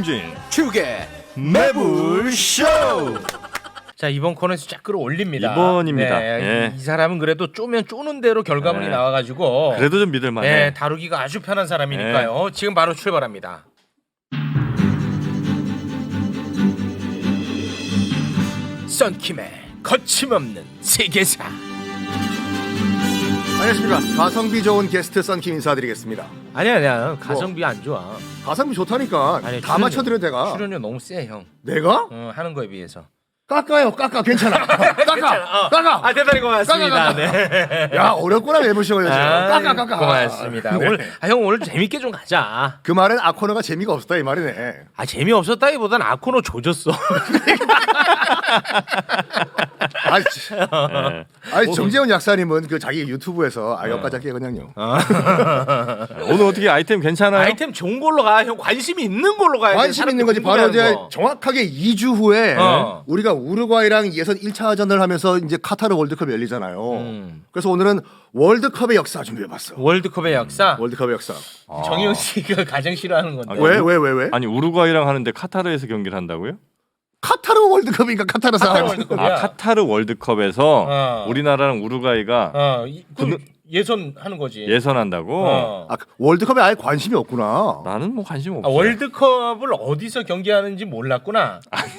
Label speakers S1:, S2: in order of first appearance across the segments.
S1: 김용진
S2: 축의
S1: 매불쇼.
S3: 자, 이번 코너에서 쫙 끌어올립니다.
S1: 이번입니다.
S3: 네,
S1: 예.
S3: 이 사람은 그래도 쪼면 쪼는 대로 결과물이
S1: 네.
S3: 나와가지고
S1: 그래도 좀 믿을만해.
S3: 네, 다루기가 아주 편한 사람이니까요. 지금 바로 출발합니다. 썬킴의 거침없는 세계사.
S2: 안녕하십니까. 가성비 좋은 게스트 썬킴 인사드리겠습니다.
S3: 아니야 가성비 안 좋아.
S2: 가성비 좋다니까.
S3: 아니,
S2: 다 맞춰드려 내가.
S3: 출연료 너무 세 형.
S2: 내가?
S3: 하는 거에 비해서.
S2: 깎아요. 깎아. 괜찮아. 깎아.
S3: 아 대단히 고맙습니다.
S2: 깎아.
S3: 네.
S2: 야 어렵구나 매불쇼가 요즘. 깎아.
S3: 고맙습니다.
S2: 네.
S3: 형 오늘 재밌게 좀 가자.
S2: 그 말은 아코너가 재미가 없었다 이 말이네.
S3: 아 재미없었다기보단 아코노 조졌어.
S2: 아니 정재훈 약사님은 그 자기 유튜브에서 여기까지 할게 그냥요.
S1: 오늘 어떻게 아이템 괜찮아요?
S3: 아이템 좋은 걸로 가. 형 관심이 있는 걸로 가야 돼.
S2: 관심 있는 거지. 바로 이제 정확하게 2주 후에 우리가 우루과이랑 예선 1차전을 하면서 이제 카타르 월드컵이 열리잖아요. 그래서 오늘은 월드컵의 역사 준비해봤어.
S3: 월드컵의 역사.
S2: 월드컵의 역사.
S3: 정영 씨가 가장 싫어하는 건데.
S2: 왜?
S1: 아니 우루과이랑 하는데 카타르에서 경기를 한다고요?
S2: 카타르 월드컵이니까 카타르 사람.
S3: 월드컵이야.
S1: 카타르 월드컵에서 우리나라랑 우루과이가
S3: 예선 하는 거지.
S1: 예선한다고?
S2: 월드컵에 아예 관심이 없구나.
S1: 나는 뭐 관심 없어.
S3: 월드컵을 어디서 경기하는지 몰랐구나.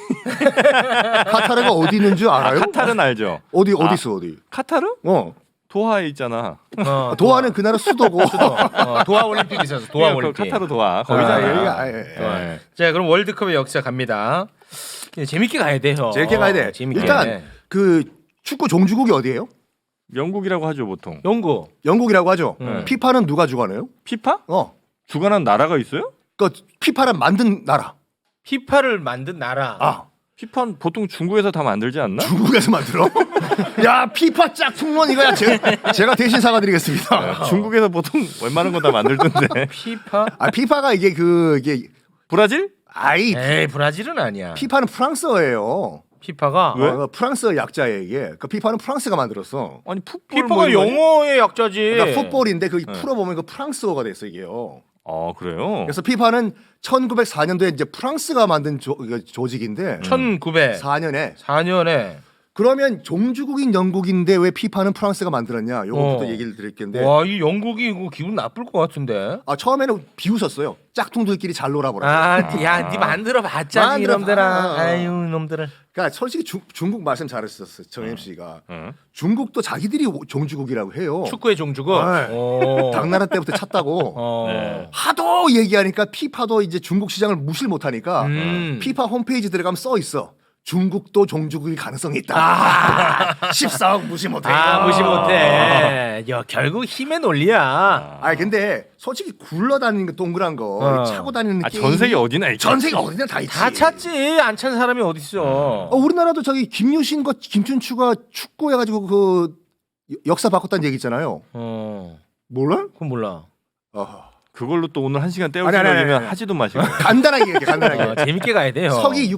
S2: 카타르가 어디 있는 줄 알아요?
S1: 카타르는 알죠.
S2: 어디 있어 어디?
S1: 카타르? 도하에 있잖아.
S2: 도하는 그 나라 수도고.
S3: 도하 올림픽 있어서 도하 올림픽.
S1: 카타르 도하 거기잖아.
S2: 예.
S3: 자 그럼 월드컵의 역사 갑니다. 재밌게 가야 돼요.
S2: 재밌게 가야 돼.
S3: 재밌게.
S2: 일단 그 축구 종주국이 어디예요?
S1: 영국이라고 하죠 보통.
S2: 영국이라고 하죠. 피파는 누가 주관해요?
S1: 피파? 주관한 나라가 있어요?
S2: 그 피파를 만든 나라.
S3: 피파를 만든 나라.
S1: 피파는 보통 중국에서 다 만들지 않나?
S2: 중국에서 만들어? 야 피파 짝퉁론 이거야. 제가 대신 사과드리겠습니다.
S1: 중국에서 보통 웬만한 거 다 만들던데.
S3: 피파?
S2: 피파가 이게
S1: 브라질?
S3: 에이 브라질은 아니야.
S2: 피파는 프랑스어예요.
S3: 피파가
S1: 왜?
S2: 프랑스어 약자예요 이게. 그 피파는 프랑스가 만들었어.
S1: 아니 풋볼
S3: 피파가
S1: 뭐 이런 거
S3: 영어의 약자지.
S2: 그러니까 풋볼인데 그 풀어보면 그 프랑스어가 됐어 이게요.
S1: 그래요?
S2: 그래서 피파는 1904년도에 이제 프랑스가 만든 조직인데
S3: 1904년에
S2: 그러면 종주국인 영국인데 왜 피파는 프랑스가 만들었냐? 요것부터 얘기를 드릴 텐데.
S3: 와, 이 영국이 이거 기분 나쁠 것 같은데.
S2: 처음에는 비웃었어요. 짝퉁들끼리 잘 놀아보라.
S3: 야, 네 만들어 봤자 이놈들아. 아유, 이놈들을.
S2: 그러니까 솔직히 중국 말씀 잘했었어, 정임 씨가. 중국도 자기들이 종주국이라고 해요.
S3: 축구의 종주국.
S2: 당나라 때부터 찾다고.
S1: 네.
S2: 하도 얘기하니까 피파도 이제 중국 시장을 무시를 못하니까 피파 홈페이지 들어가면 써 있어. 중국도 종주국일 가능성이 있다. 14억 무시 못해.
S3: 무시 못해. 야, 결국 힘의 논리야.
S2: 근데 솔직히 굴러다니는 거 동그란 거 차고 다니는 게임.
S1: 전 세계 어디나 있지.
S2: 전 세계 어디나 다 있지.
S3: 다 찾지. 안 찾는 사람이 어딨어.
S2: 우리나라도 저기 김유신과 김춘추가 축구해가지고 그 역사 바꿨다는 얘기 있잖아요. 몰라?
S3: 그건 몰라.
S1: 그걸로 또 오늘 1시간 때울
S2: 아니,
S1: 생각이면 하지도 마시고.
S2: 간단하게 얘기해. 간단하게.
S3: 재밌게 가야 돼요.
S2: 서기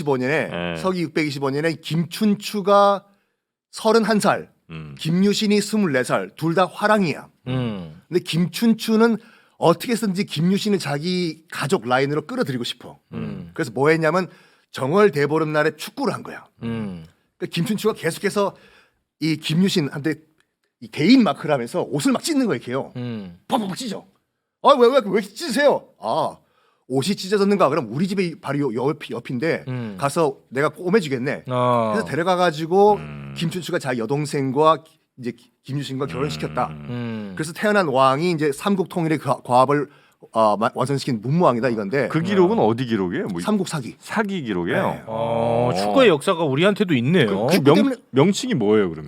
S2: 625년에 김춘추가 31살, 김유신이 24살, 둘 다 화랑이야. 근데 김춘추는 어떻게 해서든지 김유신을 자기 가족 라인으로 끌어들이고 싶어. 그래서 뭐 했냐면 정월 대보름날에 축구를 한 거야. 그러니까 김춘추가 계속해서 이 김유신한테 이 개인 마크를 하면서 옷을 막 찢는 거예요. 걔요. 팍팍 찢어. 왜 찢으세요? 옷이 찢어졌는가? 그럼 우리 집이 바로 옆인데 가서 내가 꼬매주겠네. 그래서 데려가가지고 김춘추가 자기 여동생과 이제 김유신과 결혼시켰다. 그래서 태어난 왕이 이제 삼국 통일의 과업을 완성시킨 문무왕이다 이건데.
S1: 그 기록은 어디 기록이에요? 뭐
S2: 삼국 사기.
S1: 사기 기록이에요.
S3: 축구의 역사가 우리한테도 있네요.
S1: 명칭이 뭐예요 그러면?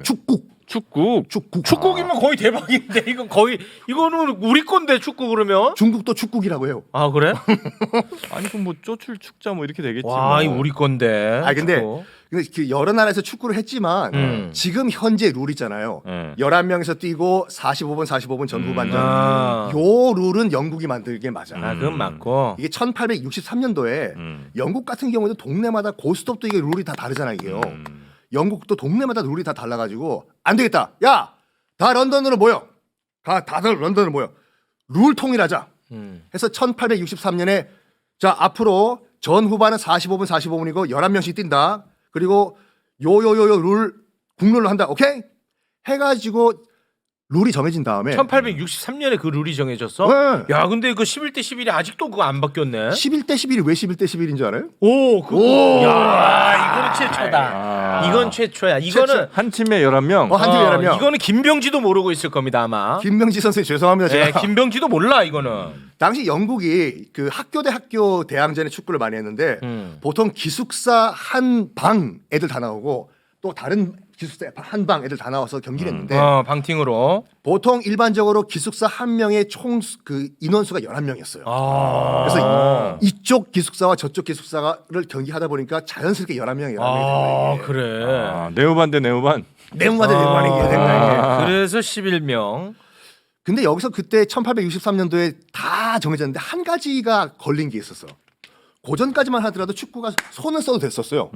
S1: 축국이면
S3: 거의 대박인데 이거는 우리 건데 축구 그러면?
S2: 중국도 축국이라고 해요.
S3: 그래?
S1: 아니 그럼 뭐 쪼출 축자 뭐 이렇게 되겠지.
S3: 와, 이 우리 건데.
S2: 근데 그 여러 나라에서 축구를 했지만 지금 현재 룰 있잖아요. 11명에서 뛰고 45분 전후반전. 요 룰은 영국이 만들게 맞아.
S3: 그건 맞고.
S2: 이게 1863년도에 영국 같은 경우도 동네마다 고스톱도 이게 룰이 다 다르잖아 이게요. 영국도 동네마다 룰이 다 달라가지고 안 되겠다. 야, 다 런던으로 모여. 다들 런던으로 모여. 룰 통일하자. 해서 1863년에 자 앞으로 전 후반은 45분 45분이고 11명씩 뛴다. 그리고 요요요요 룰 국룰로 한다. 오케이? 해가지고 룰이 정해진 다음에
S3: 1863년에 그 룰이 정해졌어?
S2: 네.
S3: 야, 근데 그 11대 11이 아직도 그거 안 바뀌었네.
S2: 11대 11이 왜 11대 11인 줄 알아요?
S3: 오,
S2: 오.
S3: 야, 이거는 최초다.
S1: 아.
S3: 이건 최초야. 이거는
S1: 한 팀에 11명.
S2: 한 팀에 11명.
S3: 이거는 김병지도 모르고 있을 겁니다, 아마.
S2: 김명지 선생님 죄송합니다.
S3: 네,
S2: 제가
S3: 김병지도 몰라 이거는.
S2: 당시 영국이 그 학교 대 학교 대항전에 축구를 많이 했는데 보통 기숙사 한 방 애들 다 나오고 또 다른 기숙사 한 방 애들 다 나와서 경기를 했는데
S3: 방팅으로.
S2: 보통 일반적으로 기숙사 한 명의 총 그 인원수가 11명이었어요.
S3: 아.
S2: 그래서 이쪽 기숙사와 저쪽 기숙사를 경기하다 보니까 자연스럽게 11명이 11명이
S3: 아,
S2: 된 거예요.
S3: 그래.
S1: 아, 네오반 대 네오반.
S2: 네모만 대 네모만이 된 거예요.
S3: 그래서 11명.
S2: 근데 여기서 그때 1863년도에 다 정해졌는데 한 가지가 걸린 게 있었어. 고전까지만 하더라도 축구가 손을 써도 됐었어요.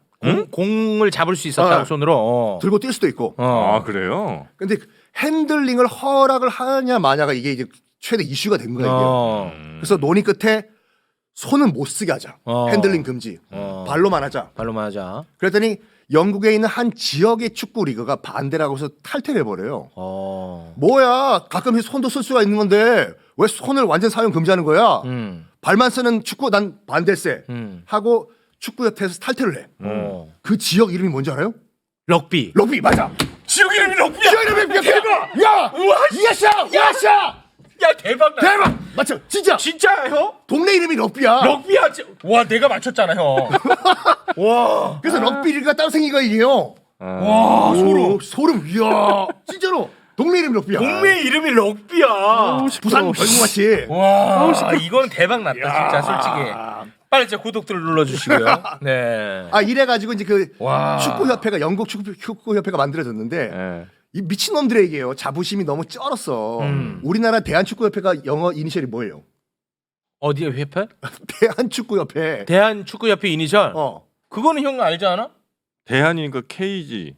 S3: 공을 잡을 수 있었다고
S2: 어.
S3: 손으로.
S2: 들고 뛸 수도 있고.
S1: 아, 그래요?
S2: 근데 핸들링을 허락을 하냐 마냐가 이게 이제 최대 이슈가 된 거야 이게. 그래서 논의 끝에 손은 못 쓰게 하자. 핸들링 금지. 발로만 하자.
S3: 발로만 하자.
S2: 그랬더니 영국에 있는 한 지역의 축구 리그가 반대라고 해서 탈퇴를 해버려요. 뭐야 가끔 손도 쓸 수가 있는 건데 왜 손을 완전 사용 금지하는 거야? 발만 쓰는 축구 난 반대세 하고 축구협회에서 탈퇴를 해. 그 지역 이름이 뭔지 알아요?
S3: 럭비.
S2: 럭비 맞아.
S3: 지역 이름이 럭비야.
S2: 지역 이름이 대박. 야,
S3: 우와,
S2: 야샤, 야샤.
S3: 야, 대박 나.
S2: 대박. 맞죠? 진짜.
S3: 진짜 형?
S2: 동네 이름이 럭비야.
S3: 럭비야. 와, 내가 맞췄잖아, 형. 와.
S2: 그래서 럭비 리그가 따로 생긴 거야 이게요.
S3: 와, 소름.
S2: 소름. 이야, 진짜로. 동네 이름이 럭비야.
S3: 동네 이름이 럭비야.
S2: 부산 별궁같이.
S3: 와, 이건 대박 났다, 진짜 솔직히. 빨리 제 구독들 눌러주시고요. 네.
S2: 아 이래가지고 이제 그
S3: 와.
S2: 축구협회가 영국 축구협회가 만들어졌는데
S1: 예.
S2: 이 미친 놈들에게요 자부심이 너무 쩔었어. 우리나라 대한축구협회가 영어 이니셜이 뭐예요?
S3: 어디에 회패?
S2: 대한축구협회.
S3: 대한축구협회 이니셜.
S2: 어.
S3: 그거는 형 알지 않아?
S1: 대한이니까 KG.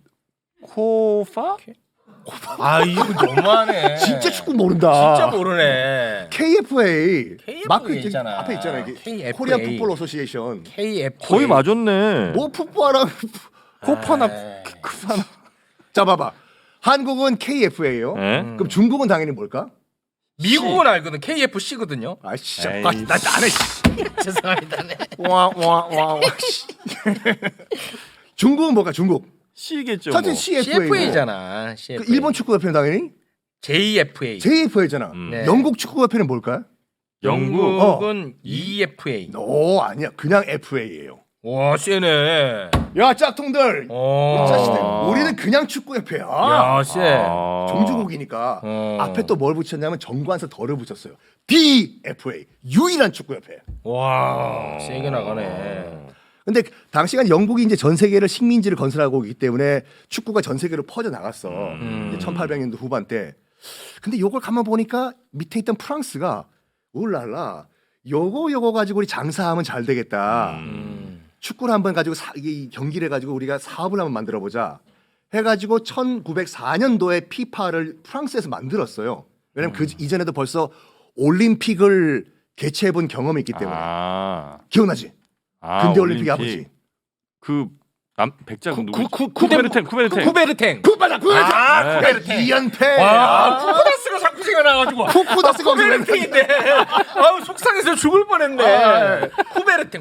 S1: 코파?
S3: 아, 이거 너무하네.
S2: 진짜 축구 모른다.
S3: 진짜 모르네.
S2: KFA 마크
S3: 있잖아.
S2: 앞에 있잖아 이게
S3: KFA.
S2: 코리안 풋볼 어소시에이션.
S3: KF.
S1: 거의 맞았네.
S2: 뭐 풋볼하랑
S1: 코파나
S3: 에이.
S1: 크파나.
S2: 자 봐봐. 한국은 KFA예요.
S1: 예?
S2: 그럼 중국은 당연히 뭘까?
S3: 미국은 알거든. KFC거든요.
S2: 아 진짜
S1: 에이,
S2: 나 안해.
S3: 죄송합니다. 네.
S2: 와와와 중국은 뭘까? 중국.
S1: C겠죠.
S2: 사실
S1: 뭐.
S2: CFA.
S3: CFA잖아.
S2: 그 일본 축구협회는 당연히
S3: JFA.
S2: JFA잖아.
S3: 네.
S2: 영국 축구협회는 뭘까요?
S3: 영국은 EFA.
S2: 오 아니야. 그냥 FA예요.
S3: 와, 세네.
S2: 야 짝퉁들. 자식들.
S1: 아.
S2: 우리는 그냥 축구협회야.
S3: 야, 세.
S1: 아.
S2: 종주국이니까
S3: 어.
S2: 앞에 또 뭘 붙였냐면 정관사 덜을 붙였어요. DFA 유일한 축구협회.
S3: 와, 세게 나가네.
S2: 근데 당시간 영국이 이제 전 세계를 식민지를 건설하고 있기 때문에 축구가 전 세계로 퍼져 나갔어. 1800년도 후반 때. 근데 요걸 가만 보니까 밑에 있던 프랑스가 울랄라 요거 가지고 우리 장사하면 잘 되겠다. 축구를 한번 가지고 이 경기를 해가지고 우리가 사업을 한번 만들어 보자. 해가지고 1904년도에 피파를 프랑스에서 만들었어요. 왜냐면 그 이전에도 벌써 올림픽을 개최해본 경험이 있기 때문에.
S1: 아.
S2: 기억나지? 근대 올림픽의 아버지.
S1: 그 백작 누구?
S3: 쿠베르탱.
S1: 쿠베르탱.
S2: 쿠바다 쿠바다.
S3: 아, 쿠베르탱.
S2: 2연패.
S3: 와, 쿠쿠다스가 자꾸 생각나가지고.
S2: 쿠쿠다스가
S3: 쿠베르탱인데. 아우, 속상해서 죽을 뻔했네. 쿠베르탱.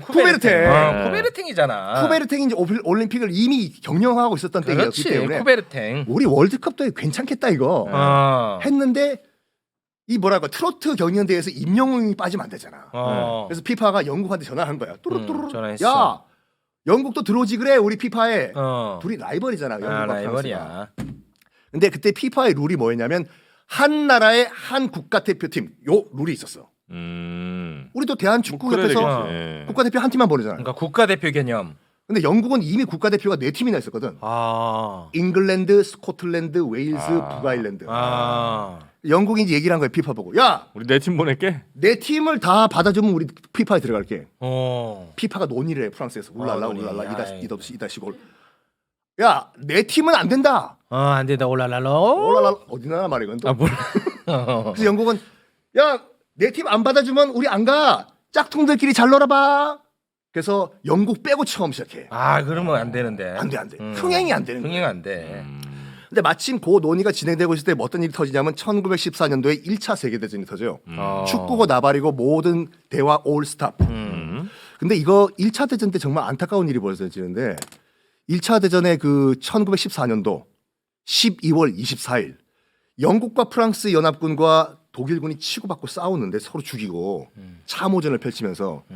S3: 쿠베르탱이잖아.
S2: 쿠베르탱이 이제 올림픽을 이미 경영하고 있었던 때였기
S3: 그렇지.
S2: 때문에
S3: 쿠베르탱.
S2: 우리 월드컵도 괜찮겠다 이거 했는데 이 뭐랄까 트로트 경연대회에서 임영웅이 빠지면 안 되잖아. 그래서 피파가 영국한테 전화한 거야. 뚜루뚜루.
S3: 전화했어.
S2: 야 영국도 들어오지 그래 우리 피파에.
S3: 어.
S2: 둘이 라이벌이잖아. 영국과
S3: 라이벌이야.
S2: 프랑스가. 근데 그때 피파의 룰이 뭐였냐면 한 나라의 한 국가대표팀 요 룰이 있었어. 우리도 대한축구협회에서
S1: 뭐 그래야 되겠지.
S2: 국가대표 한 팀만 보내잖아.
S3: 그러니까 국가대표 개념.
S2: 근데 영국은 이미 국가대표가 4팀이나 있었거든.
S3: 아.
S2: 잉글랜드, 스코틀랜드, 웨일스, 북아일랜드. 영국이 이제 얘기를 한 거야 피파 보고. 야,
S1: 우리 내 팀 보낼게.
S2: 내 팀을 다 받아주면 우리 피파에 들어갈게.
S3: 어.
S2: 피파가 논의를 해 프랑스에서. 울랄라
S3: 논의.
S2: 울랄라
S3: 아이.
S2: 이다시골. 야, 내 팀은 안 된다.
S3: 안 된다. 올랄랄로.
S2: 울랄라 어디 나라 말이건 또.
S3: 아, 몰라.
S2: 그래서 영국은 야, 내 팀 안 받아주면 우리 안 가. 짝퉁들끼리 잘 놀아봐. 그래서 영국 빼고 처음 시작해.
S3: 아 그러면 안 되는데.
S2: 안 돼, 안 돼. 흥행이 안 되는 거야.
S3: 흥행 안 돼.
S2: 근데 마침 그 논의가 진행되고 있을 때 어떤 일이 터지냐면 1914년도에 1차 세계대전이 터져요. 축구고 나발이고 모든 대화 올 스탑. 근데 이거 1차 대전 때 정말 안타까운 일이 벌어지는데 1차 대전의 그 1914년도 12월 24일 영국과 프랑스 연합군과 독일군이 치고받고 싸우는데 서로 죽이고 참호전을 펼치면서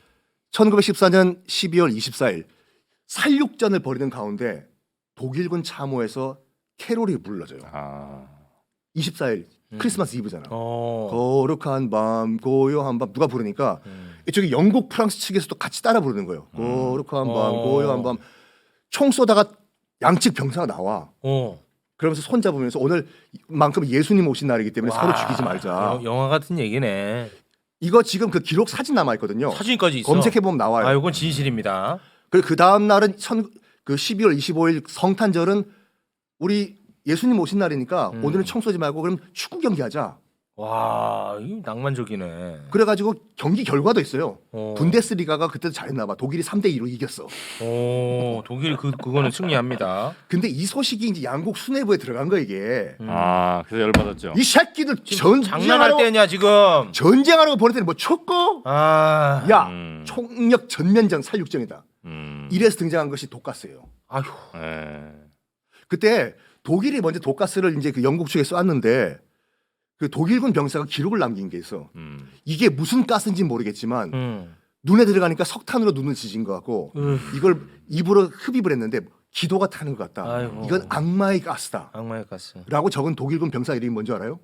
S2: 1914년 12월 24일 살육전을 벌이는 가운데 독일군 참호에서 캐롤이 불러져요. 24일 크리스마스 이브잖아. 거룩한 밤 고요한 밤 누가 부르니까 이쪽에 영국 프랑스 측에서도 같이 따라 부르는 거예요. 거룩한 밤 고요한 밤 총 쏘다가 양측 병사가 나와. 그러면서 손 잡으면서 오늘만큼 예수님 오신 날이기 때문에 서로 죽이지 말자.
S3: 영화 같은 얘기네.
S2: 이거 지금 그 기록 사진 남아 있거든요.
S3: 사진까지 있어.
S2: 검색해 보면 나와요.
S3: 아 이건 진실입니다.
S2: 그리고 그 다음 날은 그 12월 25일 성탄절은 우리 예수님 오신 날이니까 오늘은 총 쏘지 말고 그럼 축구 경기 하자.
S3: 와, 이 낭만적이네.
S2: 그래가지고 경기 결과도 있어요.
S3: 어.
S2: 분데스리가가 그때도 잘했나 봐. 독일이 3대2로 이겼어.
S3: 오, 독일 그거는 승리합니다.
S2: 근데 이 소식이 이제 양국 수뇌부에 들어간 거야 이게.
S1: 그래서 열받았죠.
S2: 이 새끼들
S3: 장난할
S2: 전쟁하러
S3: 때냐 지금?
S2: 전쟁하라고 보냈더니 뭐 축구?
S3: 아,
S2: 야 총력 전면전 살육전이다.
S1: 음.
S2: 이래서 등장한 것이 독가스예요.
S3: 아휴,
S1: 예.
S2: 그때 독일이 먼저 독가스를 이제 그 영국 측에 쐈는데 그 독일군 병사가 기록을 남긴 게 있어. 이게 무슨 가스인지 모르겠지만 눈에 들어가니까 석탄으로 눈을 지진 것 같고 이걸 입으로 흡입을 했는데 기도가 타는 것 같다.
S3: 아이고.
S2: 이건 악마의 가스다.
S3: 악마의 가스.
S2: 라고 적은 독일군 병사 이름이 뭔지 알아요?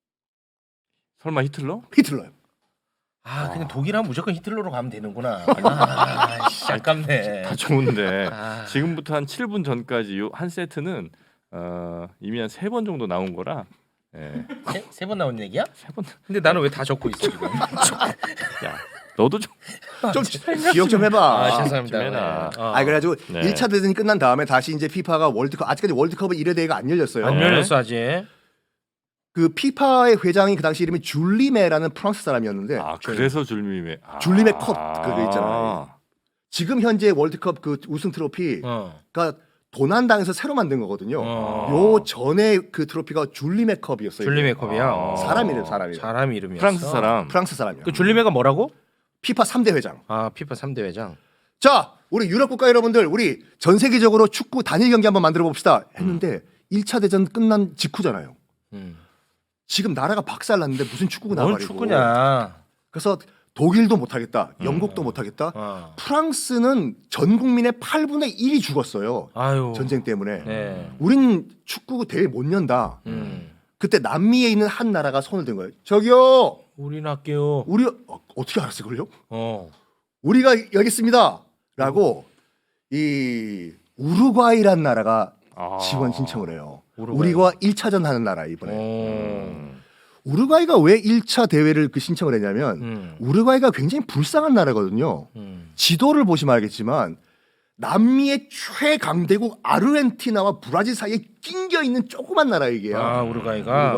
S1: 설마 히틀러?
S2: 히틀러요.
S3: 아, 그냥 독일하면 무조건 히틀러로 가면 되는구나. 아, 씨, 아깝네.
S1: 다 좋은데
S3: 아.
S1: 지금부터 한 7분 전까지 요 한 세트는 이미 한 3번 정도 나온 거라. 예.
S3: 세 번 나온 얘기야?
S1: 3번.
S3: 근데 나는 왜 다 적고 있어 지금?
S1: 야, 너도 좀
S2: 좀 기억 좀 해봐.
S3: 아, 죄송합니다.
S1: 좀 해놔.
S3: 네. 어.
S2: 그래가지고
S1: 네.
S2: 1차 대전이 끝난 다음에 다시 이제 피파가 월드컵 아직까지 월드컵은 1회 대회가 안 열렸어요.
S3: 안 열렸어 아직.
S2: 그 피파의 회장이 그 당시 이름이 줄리메라는 프랑스 사람이었는데
S1: 그래서 줄림의
S2: 줄림의 컵 그거 있잖아요. 지금 현재 월드컵 그 우승 트로피가 도난당에서 새로 만든 거거든요. 요 전에 그 트로피가 줄리메 컵이었어요.
S3: 줄리메 컵이야.
S2: 사람 이름 사람이.
S3: 사람 이름이었어.
S1: 프랑스 사람.
S2: 프랑스 사람이야.
S3: 그 줄리메가 뭐라고?
S2: 피파 3대 회장.
S3: 아, 피파 3대 회장.
S2: 자, 우리 유럽 국가 여러분들, 우리 전 세계적으로 축구 단일 경기 한번 만들어 봅시다. 했는데 1차 대전 끝난 직후잖아요. 지금 나라가 박살났는데 무슨 축구가
S3: 뭘
S2: 나발이고.
S3: 축구냐?
S2: 그래서 독일도 못하겠다. 영국도 못하겠다. 프랑스는 전 국민의 8분의 1이 죽었어요.
S3: 아유.
S2: 전쟁 때문에.
S3: 네.
S2: 우린 축구 대회 못 연다. 그때 남미에 있는 한 나라가 손을 든 거예요. 저기요.
S3: 우린 할게요.
S2: 우리 어떻게 알았어요, 그걸요?
S3: 어.
S2: 우리가 여겠습니다. 라고 이 우루과이란 나라가 지원 신청을 해요.
S3: 우루과이.
S2: 우리가 1차전 하는 나라 이번에. 우루과이가 왜 1차 대회를 그 신청을 했냐면 우루과이가 굉장히 불쌍한 나라거든요. 지도를 보시면 알겠지만 남미의 최강대국 아르헨티나와 브라질 사이에 낑겨 있는 조그만 나라 이게요.
S3: 아, 우루과이가.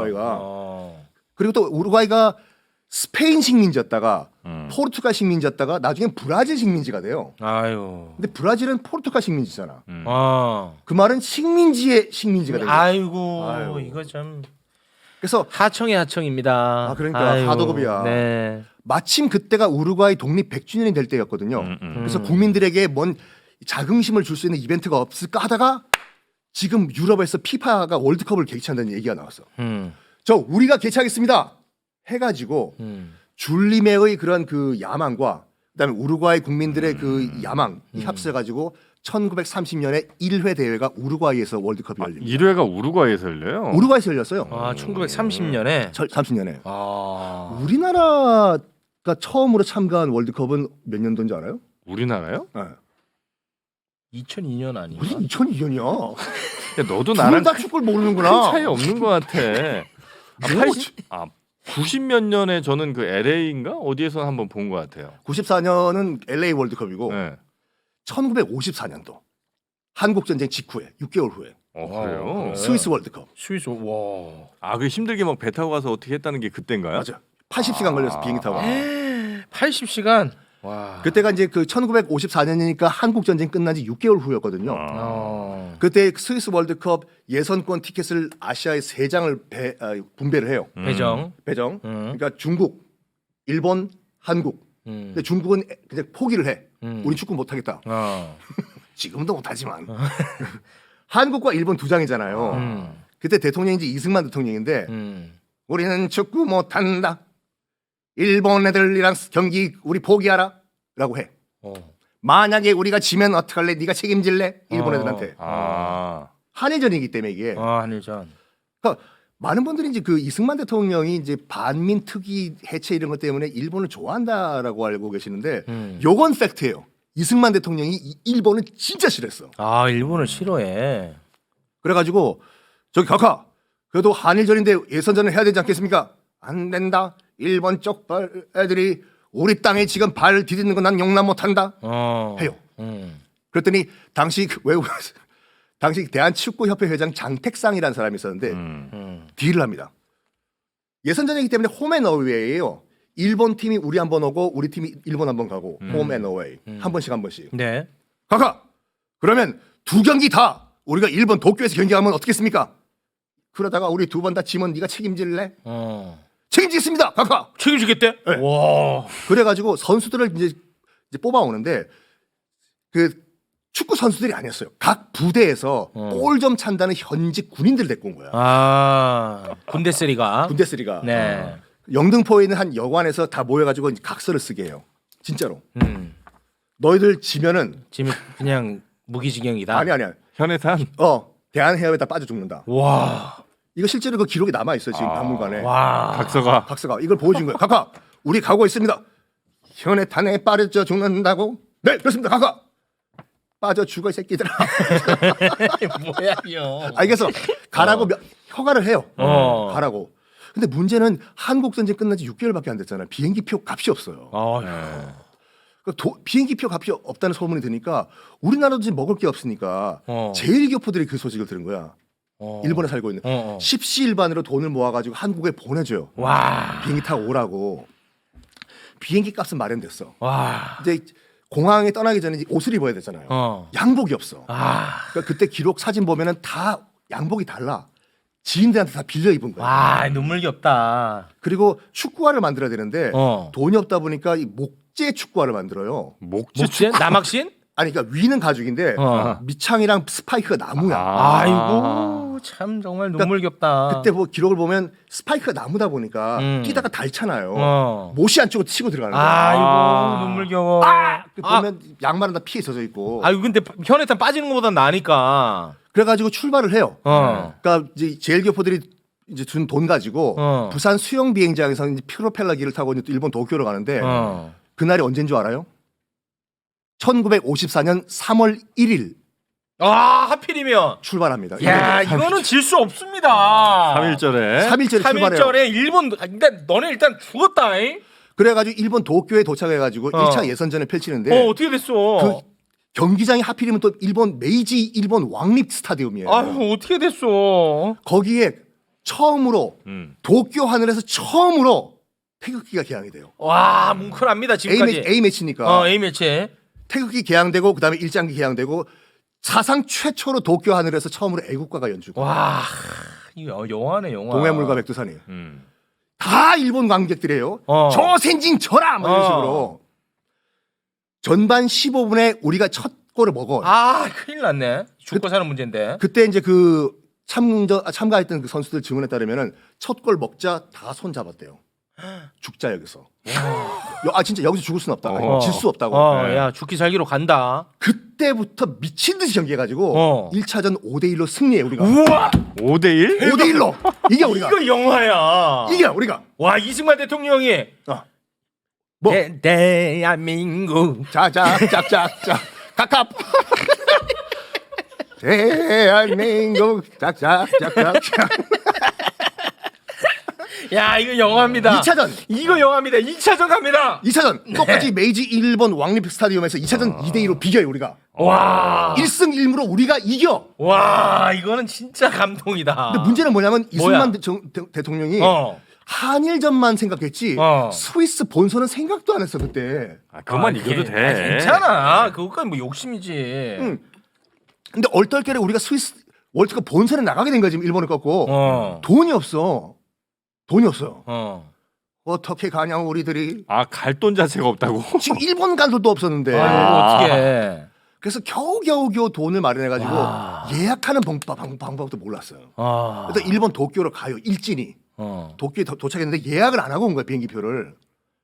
S2: 그리고 또 우루과이가 스페인 식민지였다가 포르투갈 식민지였다가 나중에 브라질 식민지가 돼요.
S3: 아유.
S2: 근데 브라질은 포르투갈 식민지잖아.
S3: 아.
S2: 그 말은 식민지의 식민지가 된 거야.
S3: 아이고, 이거 참.
S2: 그래서
S3: 하청의 하청입니다.
S2: 그러니까
S3: 아이고,
S2: 하도급이야.
S3: 네.
S2: 마침 그때가 우루과이 독립 100주년이 될 때였거든요. 그래서 국민들에게 뭔 자긍심을 줄 수 있는 이벤트가 없을까 하다가 지금 유럽에서 피파가 월드컵을 개최한다는 얘기가 나왔어. 저 우리가 개최하겠습니다. 해가지고 줄리메의 그런 그 야망과 그다음에 우루과이 국민들의 그 야망이 합쳐가지고 1930년에 1회 대회가 우루과이에서 월드컵이 열립니다.
S1: 1회가 우루과이에서 열려요.
S2: 우루과이에서 열렸어요.
S3: 아, 1930년에.
S2: 30년에.
S3: 아.
S2: 우리나라가 처음으로 참가한 월드컵은 몇 년도인지 알아요?
S1: 우리나라요?
S2: 네.
S3: 2002년 아닌가?
S2: 무슨 2002년이야?
S1: 야, 너도
S2: 나랑
S1: 나랑
S2: 다 축구를 모르는구나.
S1: 큰 차이 없는 것 같아. 90 몇 년에 저는 그 LA인가 어디에서 한번 본 것 같아요.
S2: 94년은 LA 월드컵이고
S1: 네.
S2: 1954년도 한국 전쟁 직후에 6개월 후에
S1: 그래요?
S2: 스위스 월드컵.
S3: 스위스. 와.
S1: 그 힘들게 막 배 타고 가서 어떻게 했다는 게 그때인가요?
S2: 맞아. 80시간 걸려서 비행기 타고.
S3: 80시간. 와.
S2: 그때가 이제 그 1954년이니까 한국 전쟁 끝난 지 6개월 후였거든요. 그때 스위스 월드컵 예선권 티켓을 아시아에 3장을 분배를 해요.
S3: 배정.
S2: 그러니까 중국, 일본, 한국. 근데 중국은 그냥 포기를 해. 우리 축구 못 하겠다. 지금도 못 하지만. 한국과 일본 2장이잖아요. 그때 대통령이 이제 이승만 대통령인데 우리는 축구 못 한다. 일본 애들이랑 경기 우리 포기하라 라고 해. 만약에 우리가 지면 어떡할래? 네가 책임질래? 일본 애들한테. 한일전이기 때문에 이게.
S3: 한일전.
S2: 그러니까 많은 분들이 이제 그 이승만 대통령이 이제 반민 특위 해체 이런 것 때문에 일본을 좋아한다라고 알고 계시는데 요건 팩트예요. 이승만 대통령이 일본을 진짜 싫어했어.
S3: 일본을 싫어해.
S2: 그래가지고 저기 각하 그래도 한일전인데 예선전을 해야 되지 않겠습니까? 안 된다. 일본 쪽 애들이 우리 땅에 지금 발 디디는 건 난 용납 못한다. 해요. 그랬더니 당시 당시 대한축구협회 회장 장택상이라는 사람이 있었는데 딜을 합니다. 예선전이기 때문에 홈앤어웨이예요. 일본 팀이 우리 한 번 오고 우리 팀이 일본 한 번 가고 홈앤어웨이 한 번씩.
S3: 네.
S2: 각하 그러면 2경기 다 우리가 일본 도쿄에서 경기하면 어떻겠습니까? 그러다가 우리 2번 다 지면 네가 책임질래? 책임지겠습니다, 각하.
S3: 책임지겠대?
S2: 네.
S3: 와.
S2: 그래가지고 선수들을 이제 뽑아오는데 그 축구 선수들이 아니었어요. 각 부대에서 골 좀 찬다는 현직 군인들 데리고 온 거야.
S3: 군대쓰리가.
S2: 군대쓰리가.
S3: 네.
S2: 영등포에 있는 한 여관에서 다 모여가지고 이제 각서를 쓰게 해요. 진짜로. 너희들 지면은
S3: 지금 그냥 무기징역이다.
S2: 아니야.
S1: 현해탄.
S2: 대한해협에다 빠져 죽는다.
S3: 와.
S2: 이거 실제로 그 기록이 남아 있어요 지금 박물관에.
S3: 와.
S2: 각서가 이걸 보여준 거예요. 각하, 우리 가고 있습니다. 현해탄에 빠져 죽는다고? 네, 그렇습니다, 각하. 빠져 죽어 이 새끼들아.
S3: 뭐야 이거.
S2: 알겠어. 가라고 허가를 해요. 가라고. 근데 문제는 한국 전쟁 끝난 지 6개월밖에 안 됐잖아요. 비행기표 값이 없어요. 비행기표 값이 없다는 소문이 드니까 우리나라도 지금 먹을 게 없으니까 제1교포들이 그 소식을 들은 거야. 일본에 살고 있는 십시일반으로 돈을 모아가지고 한국에 보내줘요.
S3: 와.
S2: 비행기 타고 오라고. 비행기 값은 마련됐어.
S3: 와.
S2: 이제 공항에 떠나기 전에 이제 옷을 입어야 되잖아요. 양복이 없어. 그러니까 그때 기록 사진 보면은 다 양복이 달라. 지인들한테 다 빌려 입은 거야.
S3: 와, 눈물겹다.
S2: 그리고 축구화를 만들어야 되는데 돈이 없다 보니까 이 목재 축구화를 만들어요.
S3: 목재? 남학신?
S2: 아니 그러니까 위는 가죽인데 밑창이랑 스파이크가 나무야.
S3: 아이고 참 정말 눈물겹다.
S2: 그때 뭐 기록을 보면 스파이크가 나무다 보니까 뛰다가 닳잖아요. 못이 안쪽으로 치고 들어가는 거야.
S3: 아이고 눈물겨워.
S2: 보면 양말은 다 피에 젖어 있고.
S3: 아이고 근데 현해탄 빠지는 것보다 나으니까.
S2: 그래가지고 출발을 해요. 그러니까 이제 제일교포들이 이제 준 돈 가지고 부산 수영 비행장에서 이제 프로펠러기를 타고 이제 일본 도쿄로 가는데 그날이 언제인 줄 알아요? 1954년 3월 1일.
S3: 하필이면
S2: 출발합니다.
S3: 야, 이거는 질 수 없습니다.
S1: 3일절에
S2: 3일절에
S3: 일본. 근데 너네 일단 죽었다잉.
S2: 그래가지고 일본 도쿄에 도착해가지고 1차 예선전을 펼치는데
S3: 어떻게 됐어?
S2: 그 경기장이 하필이면 또 메이지 일본 왕립 스타디움이에요.
S3: 어떻게 됐어?
S2: 거기에 처음으로 도쿄 하늘에서 처음으로 태극기가 개항이 돼요.
S3: 와, 뭉클합니다 지금까지.
S2: A 매치니까.
S3: A 매치.
S2: 태극기 개항되고 그다음에 일장기 개항되고 사상 최초로 도쿄 하늘에서 처음으로 애국가가 연주고.
S3: 와, 이거 영화네 영화.
S2: 동해물과 백두산이. 다 일본 관객들이에요. 저 생진 저라 뭐 이런 식으로. 전반 15분에 우리가 첫 골을 먹어.
S3: 큰일 났네. 죽고 사는 문제인데.
S2: 그때 이제 그 참가했던 그 선수들 증언에 따르면은 첫 골 먹자 다 손 잡았대요. 죽자 여기서. 진짜 여기서 죽을 수는 없다. 질 수 없다고.
S3: 야 죽기 살기로 간다.
S2: 그때부터 미친 듯이 경기해가지고 1차전 5대1로 승리해 우리가.
S3: 우와.
S1: 5대1?
S2: 5대1로 이게 우리가.
S3: 이거 영화야.
S2: 이게 우리가.
S3: 와 이승만 대통령이.
S2: 뭐?
S3: 대한민국.
S2: 짝짝짝짝짝. 각각. 대한민국 짝짝짝짝짝.
S3: 야 이거 영화입니다.
S2: 2차전.
S3: 이거 영화입니다. 2차전 갑니다.
S2: 2차전 똑같이 메이지 일본 왕립 스타디움에서 2차전 2대2로 비겨요 우리가.
S3: 와.
S2: 1승 1무로 우리가 이겨.
S3: 와 이거는 진짜 감동이다.
S2: 근데 문제는 뭐냐면 이승만 대통령이 한일전만 생각했지 스위스 본선은 생각도 안 했어 그때.
S1: 그만 이겨도 돼.
S3: 괜찮아. 그것까지 뭐 욕심이지.
S2: 응. 근데 얼떨결에 우리가 스위스 월드컵 본선에 나가게 된 거지 일본을 꺾고. 돈이 없어. 돈이 없어요. 어떻게 가냐고 우리들이.
S1: 갈 돈 자체가 없다고.
S2: 지금 일본 갈 돈도 없었는데.
S3: 어떻게?
S2: 그래서 겨우 돈을 마련해가지고 예약하는 방법도 몰랐어요. 그래서 일본 도쿄로 가요 일진이. 도쿄에 도착했는데 예약을 안 하고 온 거야 비행기표를.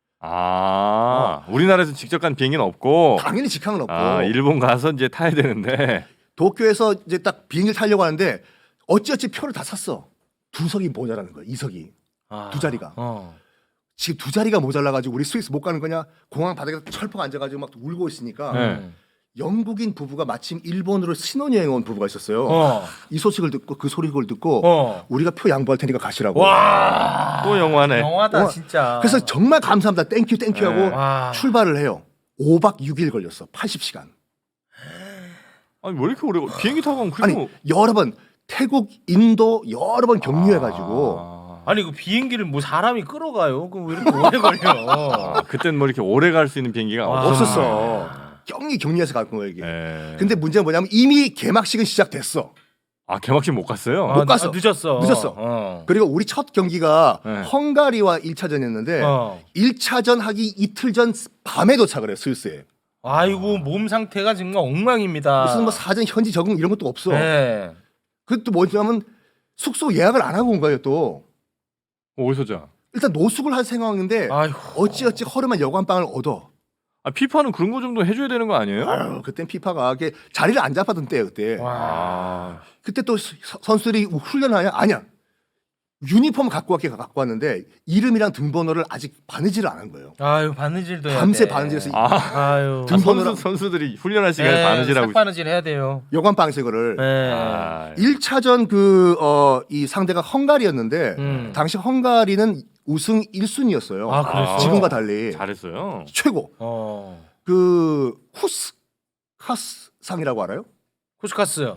S1: 우리나라에서 직접 간 비행기는 없고.
S2: 당연히 직항은 없고.
S1: 일본 가서 이제 타야 되는데.
S2: 도쿄에서 이제 딱 비행기를 타려고 하는데 어찌어찌 표를 다 샀어. 2석이 모자라는 거야. 2석이. 2자리가. 지금 2자리가 모자라가지고 우리 스위스 못 가는 거냐? 공항 바닥에 철퍽 앉아가지고 막 울고 있으니까 영국인 부부가 마침 일본으로 신혼여행 온 부부가 있었어요. 이 소식을 듣고 그 소리를 듣고 우리가 표 양보할 테니까 가시라고.
S3: 와.
S1: 또 영화네.
S3: 영화다 진짜.
S2: 그래서 정말 감사합니다. 땡큐 하고 출발을 해요. 5박 6일 걸렸어. 80시간.
S1: 아니 왜 이렇게 오래 비행기 타고 가면 그리고
S2: 아니 여러 번 태국, 인도 여러 번 격리해가지고.
S3: 아니 그 비행기를 뭐 사람이 끌어가요? 그럼 왜 이렇게 오래 걸려?
S1: 그때는 뭐 이렇게 오래 갈 수 있는 비행기가
S2: 없었어. 격리해서 갈 거예요 이게. 근데 문제는 뭐냐면 이미 개막식은 시작됐어.
S1: 개막식 못 갔어요?
S2: 못 갔어.
S3: 늦었어.
S2: 그리고 우리 첫 경기가 헝가리와 1차전이었는데 1차전 하기 이틀 전 밤에 도착을 해요 스위스에.
S3: 아이고 몸 상태가 정말 엉망입니다.
S2: 무슨 뭐 사전 현지 적응 이런 것도 없어.
S3: 네.
S2: 그것도 뭐냐면 숙소 예약을 안 하고 온 거예요 또.
S1: 어디서 자?
S2: 일단 노숙을 할 생각인데 어찌어찌 허름한 여관방을 얻어.
S1: 피파는 그런 거 정도 해줘야 되는 거 아니에요?
S2: 그땐 피파가 자리를 안 잡았던 때예요 그때. 그때 또 선수들이 훈련하냐? 아니야. 유니폼 갖고 왔는데 이름이랑 등번호를 아직 바느질을 안 한 거예요.
S3: 아유 바느질도 해야
S2: 밤새
S3: 돼.
S2: 바느질해서
S3: 아유
S1: 선수들이 훈련할 시간에 바느질하고
S3: 바느질 해야 돼요.
S2: 여관방에서 이거를.
S3: 네.
S2: 1차전 이 상대가 헝가리였는데 당시 헝가리는 우승 1순위였어요.
S3: 그랬어?
S2: 지금과 달리
S1: 잘했어요.
S2: 최고. 그 후스카스상이라고 알아요?
S3: 쿠스카스.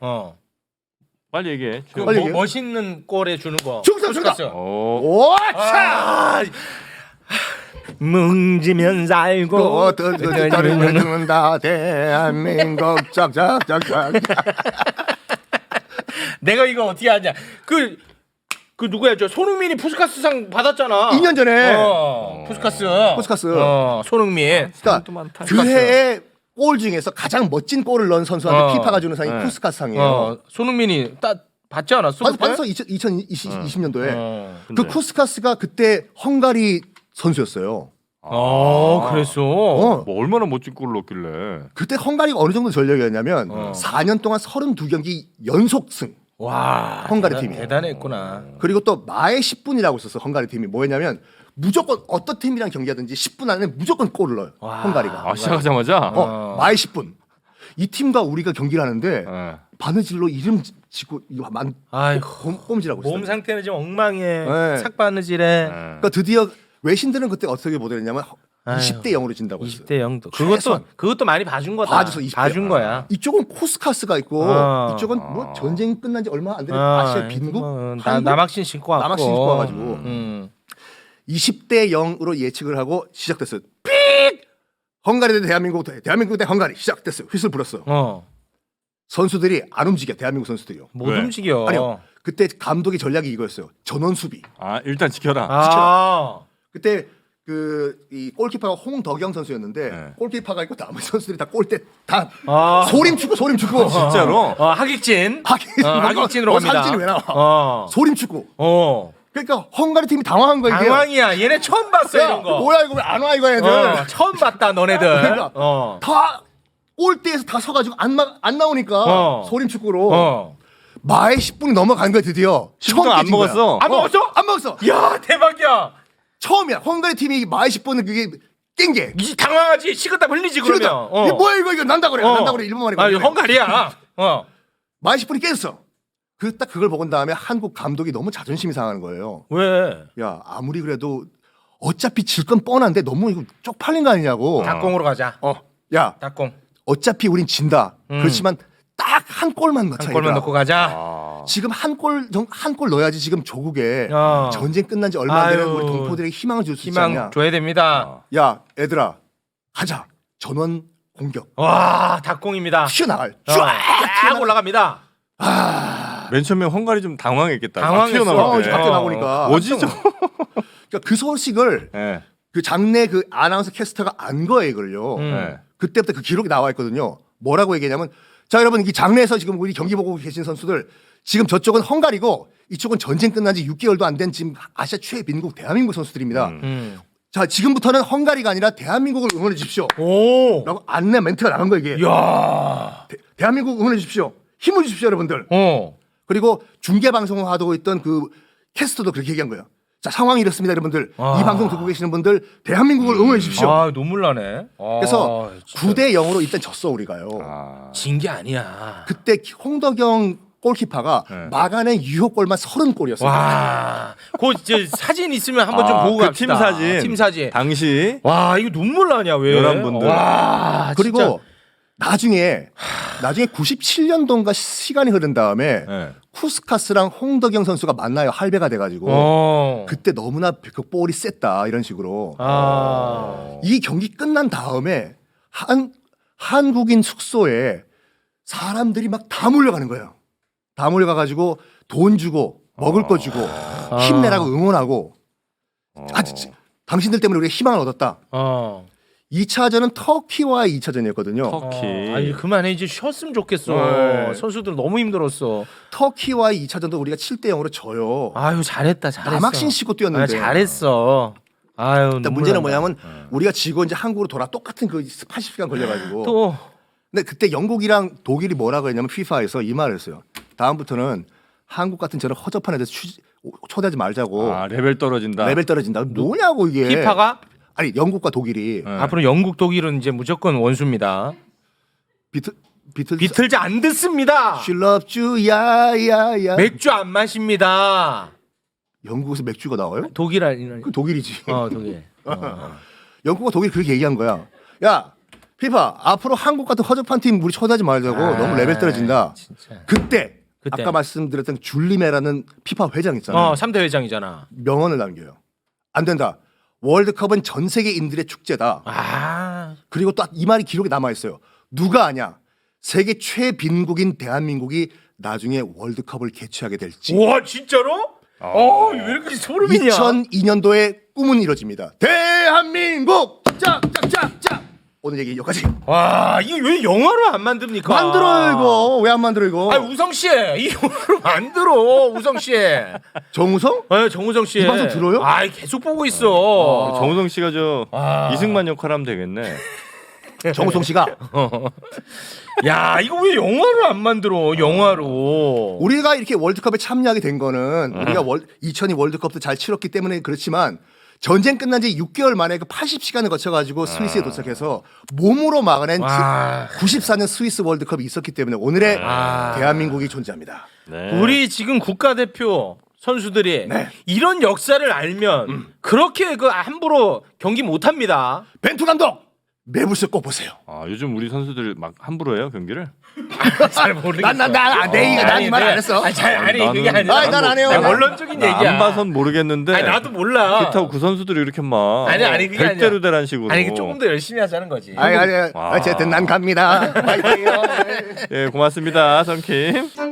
S1: 빨리 얘기해.
S3: 그
S2: 빨리 얘기해.
S3: 멋있는 꼴에 주는 거.
S2: 쿠스카스.
S3: 오, 차. 뭉지면 살고
S2: 떠는다 대한민국 짝짝짝짝.
S3: 내가 이거 어떻게 하냐? 그 누구야? 저 손흥민이 푸스카스상 받았잖아.
S2: 2년 전에.
S3: 푸스카스. 손흥민.
S2: 그러니까 그 해에 골 중에서 가장 멋진 골을 넣은 선수한테 피파가 주는 상이 쿠스카스상이에요.
S3: 손흥민이 딱 받지 않았어?
S2: 받았어 2020년도에. 그 쿠스카스가 그때 헝가리 선수였어요.
S3: 그랬어.
S1: 뭐 얼마나 멋진 골을 넣길래.
S2: 그때 헝가리가 어느 정도 전력이었냐면 4년 동안 32경기 연속승.
S3: 와,
S2: 헝가리 팀이
S3: 대단했구나.
S2: 그리고 또 마의 10분이라고 있었어. 헝가리 팀이 뭐였냐면 무조건 어떤 팀이랑 경기하든지 10분 안에 무조건 골을 넣어요. 홈가리가.
S1: 시작하자마자.
S2: 마의 10분. 이 팀과 우리가 경기를 하는데 바느질로 이름 짓고 이거 꼼질하고 있어요.
S3: 몸 상태는 지금 엉망해.
S2: 네.
S3: 삭바느질해.
S2: 그러니까 드디어 외신들은 그때 어떻게 보도했냐면 20대 0으로 진다고 했어요.
S3: 20대 0도. 그것도 많이 봐준 거다.
S2: 봐줘서 20대.
S3: 봐준 거야.
S2: 이쪽은 코스카스가 있고 이쪽은 뭐 전쟁 끝난 지 얼마 안 되는 아시아 빈국
S3: 남학신 신고 왔고.
S2: 남학신 신고 와가지고 20대 0으로 예측을 하고 시작됐어요. 삑! 헝가리 대 대한민국 대 헝가리 시작됐어요. 휘슬 불었어. 선수들이 안 움직여. 대한민국 선수들이요.
S3: 못 움직여.
S2: 아니요. 그때 감독의 전략이 이거였어요. 전원 수비.
S1: 일단 지켜라.
S2: 그때 이 골키퍼가 홍덕영 선수였는데 골키퍼가 있고 나머지 선수들이 다 골대 다 소림 축구
S1: 진짜로.
S3: 하객진으로 갑니다.
S2: 삼진이 왜 나와? 소림 축구. 그러니까 헝가리 팀이 당황한 거야.
S3: 당황이야. 얘네 처음 봤어 이런 거.
S2: 뭐야 이거 왜 안 와 이거 애들.
S3: 처음 봤다 너네들.
S2: 그러니까 다 골대에서 다 서가지고 안 나오니까 소림 축구로. 마의 10분이 넘어간 거야 드디어.
S1: 10분 안 먹었어.
S3: 안 먹었어?
S2: 안 먹었어.
S3: 야 대박이야.
S2: 처음이야. 헝가리 팀이 마의 10분은 그게 깽게.
S3: 당황하지. 식은땀 흘리지 그러면.
S2: 이게 뭐야 이거 난다 그래. 난다 그래. 일본 말이.
S3: 헝가리야.
S2: 마의 10분이 깨졌어. 딱 그걸 보고 난 다음에 한국 감독이 너무 자존심이 상하는 거예요.
S3: 왜?
S2: 야 아무리 그래도 어차피 질 건 뻔한데 너무 이거 쪽팔린 거 아니냐고.
S3: 닭공으로 가자.
S2: 야
S3: 닭공.
S2: 어차피 우린 진다. 그렇지만 딱 한 골만 넣자.
S3: 한 골만
S2: 얘들아.
S3: 넣고 가자.
S1: 아.
S2: 지금 한 골 넣어야지 지금 조국에
S3: 어.
S2: 전쟁 끝난 지 얼마 안 되는
S3: 아유.
S2: 우리 동포들에게 희망을 줄 수 있지
S3: 희망
S2: 않냐.
S3: 줘야 됩니다.
S2: 야 얘들아 가자. 전원 공격.
S3: 와 닭공입니다.
S2: 튀어나갈.
S3: 쫙 올라갑니다.
S1: 맨 처음에 헝가리 좀 당황했겠다.
S3: 당황했어.
S1: 튀어나올 때.
S2: 밖에 나오니까.
S1: 뭐지 저?
S2: 그러니까 그 소식을
S1: 네.
S2: 그 장내 그 아나운서 캐스터가 안 거예요 이걸요.
S1: 네.
S2: 그때부터 그 기록이 나와 있거든요. 뭐라고 얘기냐면 자 여러분 이 장내에서 지금 우리 경기 보고 계신 선수들 지금 저쪽은 헝가리고 이쪽은 전쟁 끝난 지 6개월도 안 된 지금 아시아 최빈국 대한민국 선수들입니다. 자 지금부터는 헝가리가 아니라 대한민국을 응원해 주십시오.
S3: 오.
S2: 라고 안내 멘트가 나간 거예요 이게.
S3: 야.
S2: 대한민국 응원해 주십시오. 힘을 주십시오 여러분들. 그리고 중계 방송을 하고 있던 그 캐스터도 그렇게 얘기한 거예요. 자 상황이 이렇습니다 여러분들. 이 방송 듣고 계시는 분들 대한민국을 응원해 주십시오.
S3: 아 눈물 나네.
S2: 그래서 9대 0으로 일단 졌어 우리가요.
S1: 아.
S3: 진 게 아니야.
S2: 그때 홍덕영 골키퍼가
S1: 네.
S2: 막아낸 유효골만 30골이었어요.
S3: 와. 그 사진 있으면 한번 좀 보고
S1: 그
S3: 갑시다.
S1: 팀 사진.
S3: 팀 사진.
S1: 당시
S3: 와 이거 눈물 나냐 왜?
S1: 11분들.
S3: 와.
S2: 그리고
S3: 진짜.
S2: 나중에 97년도인가 시간이 흐른 다음에
S1: 네.
S2: 쿠스카스랑 홍덕영 선수가 만나요. 할배가 돼가지고 그때 너무나 그 볼이 셌다 이런 식으로 이 경기 끝난 다음에 한국인 숙소에 사람들이 막 다 몰려가는 거예요. 다 몰려가가지고 돈 주고 먹을 거 주고 힘내라고 응원하고 당신들 때문에 우리가 희망을 얻었다. 2차전은 터키와의 2차전이었거든요.
S1: 터키.
S3: 아니 그만해 이제 쉬었으면 좋겠어.
S1: 네.
S3: 선수들 너무 힘들었어.
S2: 터키와의 2차전도 우리가 7대 0으로 져요.
S3: 아유 잘했다 잘했어.
S2: 남학신 씻고 뛰었는데.
S3: 아, 잘했어. 아유.
S2: 일단
S3: 눈물
S2: 문제는
S3: 난다.
S2: 뭐냐면 우리가 지고 이제 한국으로 돌아 똑같은 그 80시간 걸려가지고.
S3: 또
S2: 근데 그때 영국이랑 독일이 뭐라고 했냐면 FIFA에서 이 말을 했어요. 다음부터는 한국 같은 저런 허접한 애들 초대하지 말자고.
S1: 아 레벨 떨어진다.
S2: 레벨 떨어진다. 뭐냐고 이게.
S3: 피파가
S2: 아니 영국과 독일이
S1: 네.
S3: 앞으로 영국 독일은 이제 무조건 원수입니다. 비틀즈 안 듣습니다.
S2: She loves you 야야야.
S3: 맥주 안 마십니다.
S2: 영국에서 맥주가 나와요?
S3: 독일 아니는
S2: 그 독일이지.
S3: 독일.
S2: 영국과 독일이 그렇게 얘기한 거야. 야 피파 앞으로 한국 같은 허접한 팀 우리 초대하지 말자고. 너무 레벨 떨어진다.
S3: 진짜.
S2: 그때
S3: 그때.
S2: 아까 말씀드렸던 줄리메라는 피파 회장 있잖아요.
S3: 3대 회장이잖아.
S2: 명언을 남겨요. 안 된다. 월드컵은 전 세계인들의 축제다. 그리고 또 이 말이 기록에 남아 있어요. 누가 아냐? 세계 최빈국인 대한민국이 나중에 월드컵을 개최하게 될지.
S3: 와 진짜로? 왜 이렇게 소름이냐?
S2: 2002년도에 꿈은 이뤄집니다. 대한민국 짝짝짝짝. 오늘 얘기 여기까지.
S3: 와 이거 왜 영화로 안 만듭니까?
S2: 만들어 이거. 왜 안 만들어 이거?
S3: 아 우성 씨, 이 영화로 만들어 우성 씨.
S2: 정우성?
S3: 네, 정우성 씨.
S2: 이 방송 들어요?
S3: 아 계속 보고 있어.
S1: 정우성 씨가 저 이승만 역할 하면 되겠네.
S2: 정우성 씨가
S3: 야 이거 왜 영화로 안 만들어? 영화로.
S2: 우리가 이렇게 월드컵에 참여하게 된 거는 우리가 2002 월드컵도 잘 치렀기 때문에 그렇지만 전쟁 끝난 지 6개월 만에 그 80시간을 거쳐가지고 스위스에 도착해서 몸으로 막아낸 94년 스위스 월드컵이 있었기 때문에 오늘의 대한민국이 존재합니다.
S1: 네.
S3: 우리 지금 국가대표 선수들이
S2: 네.
S3: 이런 역사를 알면 그렇게 그 함부로 경기 못 합니다.
S2: 벤투 감독 매불쇼 꼭 보세요.
S1: 요즘 우리 선수들 막 함부로 해요 경기를?
S3: 잘 모르겠어.
S2: 난이 말 안 했어.
S3: 아니
S1: 나는-
S3: 그게 아니라.
S2: 아니, 난안 해요.
S3: 아니, 원론적인 얘기야.
S1: 안 봐선 모르겠는데.
S3: 아니 나도 몰라.
S1: 그렇다고 그 선수들이 이렇게 막
S3: 아니, 그게 아니야.
S1: 별대로 대란 식으로.
S3: 아니 조금 더 열심히 하자는 거지.
S2: 아니
S1: 와.
S2: 어쨌든 난 갑니다.
S1: 예 고맙습니다 선킴.